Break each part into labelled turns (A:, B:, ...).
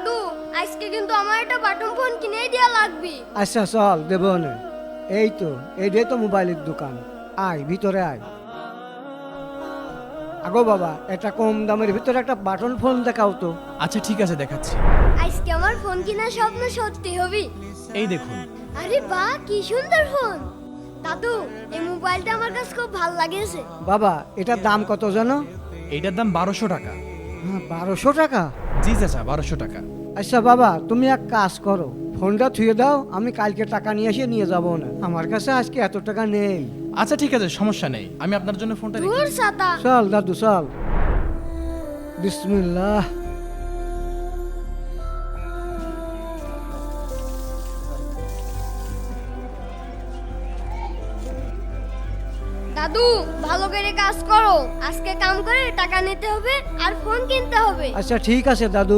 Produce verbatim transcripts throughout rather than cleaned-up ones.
A: দাদু আজকে কিন্তু আমার একটা বাটন ফোন কিনে দেওয়া লাগবে।
B: আচ্ছা চল দেব না। এই তো এইটাই তো মোবাইলের দোকান, আয় ভিতরে আয়। আগো বাবা, একটা কম দামের ভিতরে একটা বাটন ফোন দেখাও তো।
C: আচ্ছা ঠিক আছে, দেখাচ্ছি।
A: আজকে আমার ফোন কেনার স্বপ্ন সত্যি হবে।
C: এই দেখুন।
A: আরে বাহ, কি সুন্দর ফোন। দাদু এই মোবাইলটা আমার কাছে খুব ভালো লাগেছে।
B: বাবা এটার দাম কত জানো?
C: এইটার দাম বারোশো টাকা।
B: হ্যাঁ, বারোশো টাকা?
C: জি চাচা, বারোশো টাকা।
B: আচ্ছা বাবা, তুমি এক কাজ করো, ফোনটা থুয়ে দাও, আমি কালকে টাকা নিয়ে এসে নিয়ে যাবো না, আমার কাছে আজকে এত টাকা নেই।
C: আচ্ছা ঠিক আছে, সমস্যা নেই, আমি আপনার জন্য ফোনটা রেখে
A: দূর
C: দিচ্ছি।
A: সাতা।
B: চল দাদু চল। বিসমিল্লাহ।
A: দাদু ভালো করে কাজ করো, আজকে কাম করে টাকা নিতে হবে আর ফোন কিনতে হবে।
B: আচ্ছা ঠিক আছে দাদু।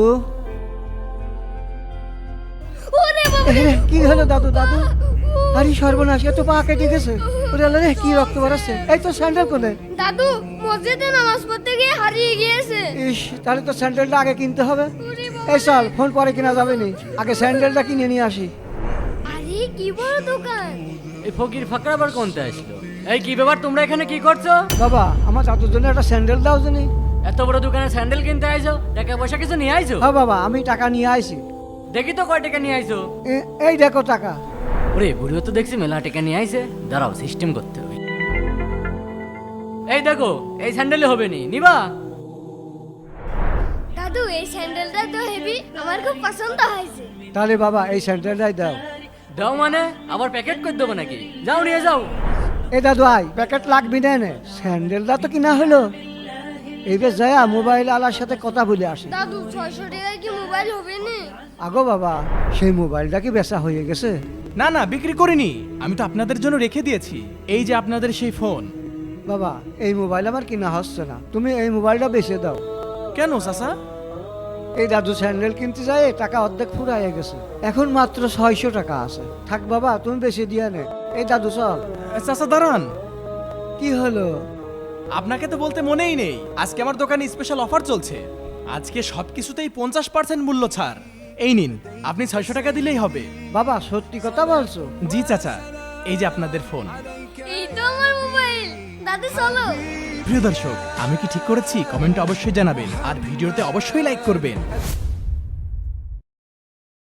A: ওরে বাবা
B: এ, কি হলো দাদু? দাদু আরে সর্বনাশ, এত পা কেটে গেছে। ওরে আল্লাহ রে, কি রক্ত বেরাচ্ছে। এই তো স্যান্ডেল কোনে?
A: দাদু মসজিদে নামাজ পড়তে গিয়ে হারিয়ে গিয়েছে।
B: ইস, তাহলে তো স্যান্ডেলটা আগে কিনতে হবে।
A: ওরে বাবা।
B: এই চল, ফোন পরে কিনা যাবে নি, আগে স্যান্ডেলটা কিনে নিয়ে আসি।
A: আরে কি বড় দোকান।
D: এই ফকির ফাকরা আবার কোনটা আসলো? এই কি ব্যাপার, তোমরা এখানে কি করছো?
B: বাবা আমার দাদুর জন্য একটা স্যান্ডেল দাও জানি।
D: এত বড় দোকানে স্যান্ডেল কিনতে আইছো? টাকা পয়সা কিছু নিয়ে আইছো?
B: হ্যাঁ বাবা, আমি টাকা নিয়ে আইছি।
D: দেখি তো কয় টাকা নিয়ে আইছো।
B: এ- এই দেখো টাকা।
D: ওরে বুড়িও তো দেখছি মেলা টাকা নিয়ে আইছে। দাঁড়াও, সিস্টেম করতে হবে। এই দেখো, এই স্যান্ডেলে হবে নি, নিবা?
A: দাদু এই স্যান্ডেলটা তো হেভি, আমার খুব পছন্দ হয়েছে।
B: তাহলে বাবা এই স্যান্ডেলটাই দাও।
D: দাও মানে আবার প্যাকেট করে দেবো নাকি? যাও নিয়ে যাও।
B: এই দাদু আয়, প্যাকেট লাগবি না নে, স্যান্ডেলটা তো কিনা হলো। এইবার যায় মোবাইল আলার সাথে কথা বলে আসে।
A: দাদু ছয়শো টাকায় কি মোবাইল হবে না?
B: আগো বাবা, সেই মোবাইলটা কি বেচা হয়ে গেছে?
C: না না, বিক্রি করিনি, আমি তো আপনাদের জন্য রেখে দিয়েছি। এই যে আপনাদের সেই ফোন।
B: বাবা এই মোবাইল আমার কিনা হচ্ছে না, তুমি এই মোবাইলটা বেচে দাও।
C: কেন চাচা?
B: এই দাদু স্যান্ডেল কিনতে যায়, টাকা অর্ধেক ফুরাইয়া গেছে, এখন মাত্র ছয়শো টাকা আছে। থাক বাবা, তুমি বেশি দিয়া নে। এই দাদু চল।
C: চাচা দাঁড়ান,
B: কি হলো?
C: আপনাকে তো বলতে মনেই নেই, আজকে আমার দোকানে স্পেশাল অফার চলছে। আজকে সবকিছুতেই পঞ্চাশ পার্সেন্ট মূল্য ছাড়। এই নিন, আপনি ছয়শো টাকা দিলেই হবে।
B: বাবা সত্যি কথা বলছো?
C: জি চাচা, এই যে আপনাদের ফোন।
A: এই তো আমার মোবাইল। দাদু চলো।
C: প্রিয় দর্শক, আমি কি ঠিক করেছি? কমেন্টে অবশ্যই জানাবেন আর ভিডিওতে অবশ্যই লাইক করবেন।